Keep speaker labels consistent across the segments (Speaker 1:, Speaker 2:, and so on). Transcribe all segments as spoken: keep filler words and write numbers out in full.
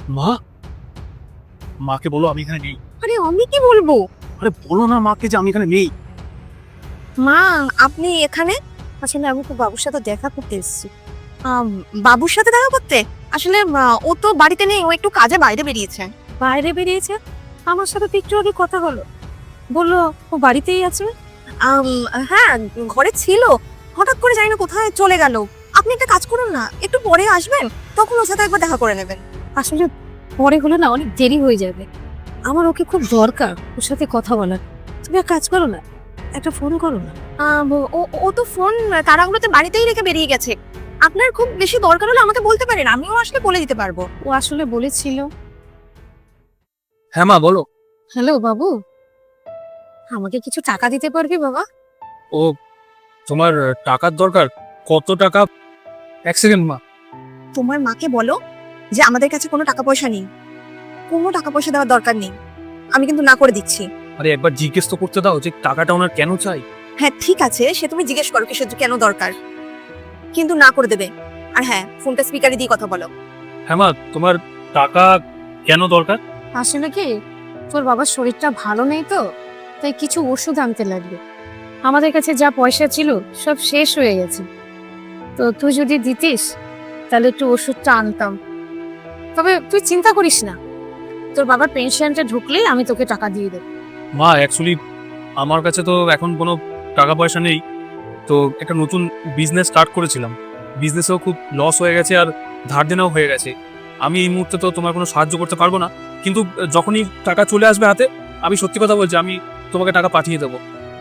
Speaker 1: মা, মাকে বলো আমি এখানে নেই।
Speaker 2: আরে আমি কি বলবো?
Speaker 1: আরে বলো না মাকে যে আমি এখানে নেই।
Speaker 2: মা, আপনি এখানে? আসলে আমি তো বাবুর সাথে দেখা করতে এসেছি। আম, বাবুর সাথে দেখা করতে? আসলে আ, ও তো বাড়িতে নেই, ও একটু কাজে বাইরে বেরিয়েছে। বাইরে বেরিয়েছে? আমার সাথে তো একটু আগে কথা হলো, বললো ও বাড়িতেই আছে। আম, হ্যাঁ, ঘরে ছিল, হঠাৎ করে জানি না কোথায় চলে গেল। আপনি একটা কাজ করুন না, একটু পরে আসবেন, তখন ওর সাথে একবার দেখা করে নেবেন। আসলে পরে হলে না অনেক দেরি হয়ে যাবে, আমার ওকে খুব দরকার ওর সাথে কথা বলার। তুমি এক কাজ করো না, একটা ফোন করো না। আম, ও ও তো ফোন তাড়াহুড়োতে বাড়িতেই রেখে বেরিয়ে গেছে। আপনার খুব বেশি দরকার হলে আমাকে বলতে পারেন, আমিও আসলে বলে দিতে পারবো। ও আসলে বলেছিল।
Speaker 1: হ্যাঁ মা বলো।
Speaker 2: হ্যালো বাবু, আমাকে কিছু টাকা দিতে পারবি বাবা?
Speaker 1: ও, তোমার টাকার দরকার? কত টাকা? এক সেকেন্ড মা।
Speaker 2: তোমার মাকে বলো যে আমাদের কাছে কোনো টাকা পয়সা নেই, কোনো টাকা পয়সা দেওয়ার দরকার নেই, আমি কিন্তু না করে দিচ্ছি।
Speaker 1: আরে একবার জিজ্ঞেস তো করতে দাও যে টাকাটা ওনার কেন চাই।
Speaker 2: হ্যাঁ ঠিক আছে, সে তুমি জিজ্ঞেস করো কিসের কেন দরকার, কিন্তু না করে দেবে। আর হ্যাঁ, ফোনটা স্পিকারে দিয়ে কথা বলো।
Speaker 1: হ্যাঁ মা, তোমার টাকা কেন দরকার?
Speaker 2: আসলে কি, তোর বাবার শরীরটা ভালো নেই তো, তাই কিছু ওষুধ আনতে লাগবে। আমাদের কাছে যা পয়সা ছিল সব শেষ হয়ে গেছে, তো তুই যদি দিতিস তাহলে একটু ওষুধটা আনতাম। তবে তুই চিন্তা করিস না, তোর বাবার পেনশনটা ঢুকলেই আমি তোকে টাকা দিয়ে দেবো।
Speaker 1: মা অ্যাকচুয়ালি আমার কাছে তো এখন কোনো টাকা পয়সা নেই, তো একটা নতুন বিজনেস স্টার্ট করেছিলাম, বিজনেসেও খুব লস হয়ে গেছে আর ধার দেনাও হয়ে গেছে। আমি এই মুহূর্তে তো তোমার কোনো সাহায্য করতে পারবো না, কিন্তু যখনই টাকা চলে আসবে হাতে, আমি সত্যি কথা বলছি, আমি তোমাকে টাকা পাঠিয়ে দেবো।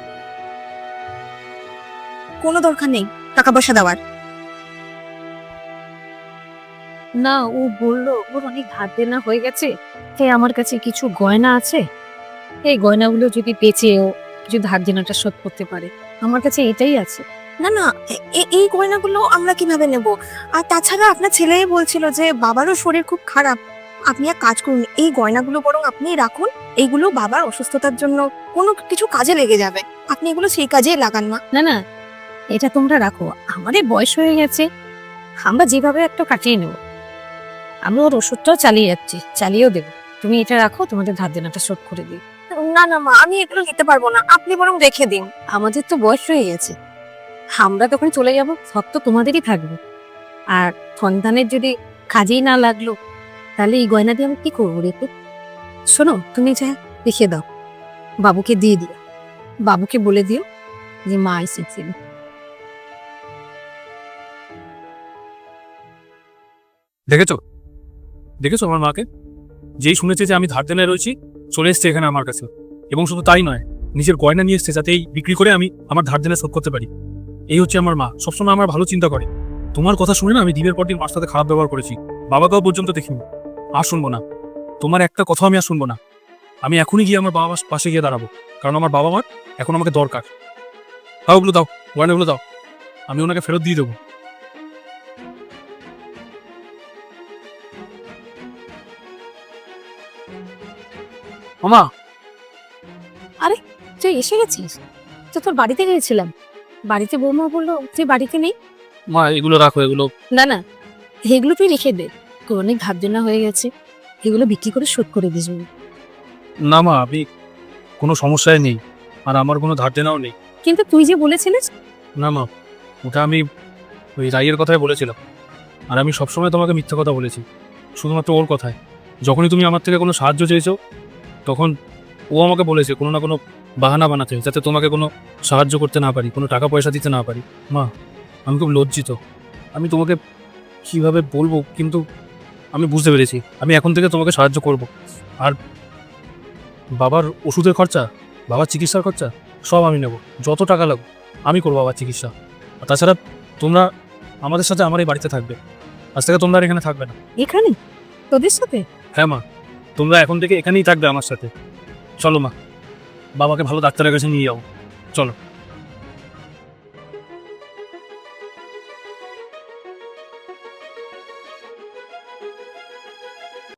Speaker 2: কোনো দরকার নেই টাকা পয়সা দেওয়ার। না, ও বললো ওর অনেক ধার দেনা হয়ে গেছে, তাই আমার কাছে কিছু গয়না আছে, এই গয়নাগুলো যদি বেচে ও কিছু ধার দেনাটা শোধ করতে পারে, আমার কাছে এটাই আছে। না না, এ- এই গয়নাগুলো আমরা কিভাবে নেব? আর তাছাড়া আপনার ছেলে বলছিল যে বাবারও শরীর খুব খারাপ। আপনি এক কাজ করুন, এই গয়নাগুলো বরং আপনি রাখুন, এইগুলো বাবার অসুস্থতার জন্য কোনো কিছু কাজে লেগে যাবে, আপনি এগুলো সেই কাজেই লাগান। না না না, এটা তোমরা রাখো, আমাদের বয়স হয়ে গেছে, আমরা যেভাবে একটা কাটিয়ে নেব। আমি ওর ওষুধটাও চালিয়ে যাচ্ছি, চালিয়েও দেবো। তুমি এটা রাখো, তোমাদের ধার দেনাটা শোধ করে দিই। না না মা, আমি এগুলো নিতে পারবো না, আপনি বরং রেখে দিন। আমাদের তো বয়স হয়ে গেছে, আমরা তখন চলে যাব, সব তো তোমাদেরই থাকবে। আর সন্তানের যদি কাজেই না লাগলো, তাহলে এই গয়না দিয়ে আমি কি করবো রেখে? শোনো, তুমি যা রেখে দাও, বাবুকে দিয়ে দিও, বাবুকে বলে দিও যে মা এসেছিল।
Speaker 1: দেখেছো, দেখেছো আমার মাকে, যেই শুনেছে যে আমি ধার দেনায় রয়েছি, চলে এসছে এখানে আমার কাছে। এবং শুধু তাই নয়, নিজের গয়না নিয়ে এসছে যাতে এই বিক্রি করে আমি আমার ধার দেনা শোধ করতে পারি। এই হচ্ছে আমার মা, সবসময় আমার ভালো চিন্তা করে। তোমার কথা শুনে না আমি দিনের পর দিন মার সাথে খারাপ ব্যবহার করেছি, বাবাকেও পর্যন্ত দেখিনি। আর শুনবো না, তোমার একটা কথা আমি আর শুনবো না। আমি এখনই গিয়ে আমার বাবা মার পাশে গিয়ে দাঁড়াবো, কারণ আমার বাবা মার এখন আমাকে দরকার। হ্যাঁ ওগুলো দাও, গয়নাগুলো দাও, আমি ওনাকে ফেরত দিয়ে দেবো। মামা,
Speaker 2: তুই এসে গেছিস? তো তোর বাড়িতে গিয়েছিলাম, বাড়িতে বৌমা বললো তুই বাড়িতে নেই।
Speaker 1: মা এগুলো রাখো, এগুলো
Speaker 2: না না, এগুলো তুই রেখে দে, তোর অনেক ধার দেনা হয়ে গেছে, এগুলো বিক্রি করে শোধ করে দিস।
Speaker 1: না মা, আমি কোনো সমস্যায় নেই, আর আমার কোনো ধার দেনাও নেই।
Speaker 2: কিন্তু তুই যে বলেছিলিস।
Speaker 1: না মা, ওটা আমি ওই রাইয়ের কথাই বলেছিলাম, আর আমি সবসময় তোমাকে মিথ্যা কথা বলেছি, শুধুমাত্র ওর কথায়। যখনই তুমি আমার থেকে কোনো সাহায্য চেয়েছো, তখন ও আমাকে বলেছে কোনো না কোনো বাহানা বানাতে, যাতে তোমাকে কোনো সাহায্য করতে না পারি, কোনো টাকা পয়সা দিতে না পারি। মা, আমি খুব লজ্জিত, আমি তোমাকে কিভাবে বলবো, কিন্তু আমি বুঝতে পেরেছি আমি এখন থেকে তোমাকে সাহায্য করব। আর বাবার ওষুধের খরচা, বাবার চিকিৎসার খরচা সব আমি নেব, যত টাকা লাগবে আমি করবো বাবার চিকিৎসা। আর তাছাড়া তোমরা আমাদের সাথে আমার এই বাড়িতে থাকবে, আজ থেকে তোমরা আর এখানে থাকবে না।
Speaker 2: এখানে তোদের সাথে?
Speaker 1: হ্যাঁ মা, তোমরা এখন থেকে এখানেই থাকবে আমার সাথে। চলো মা, বাবাকে ভালো ডাক্তারের কাছে নিয়ে যাও, চলো।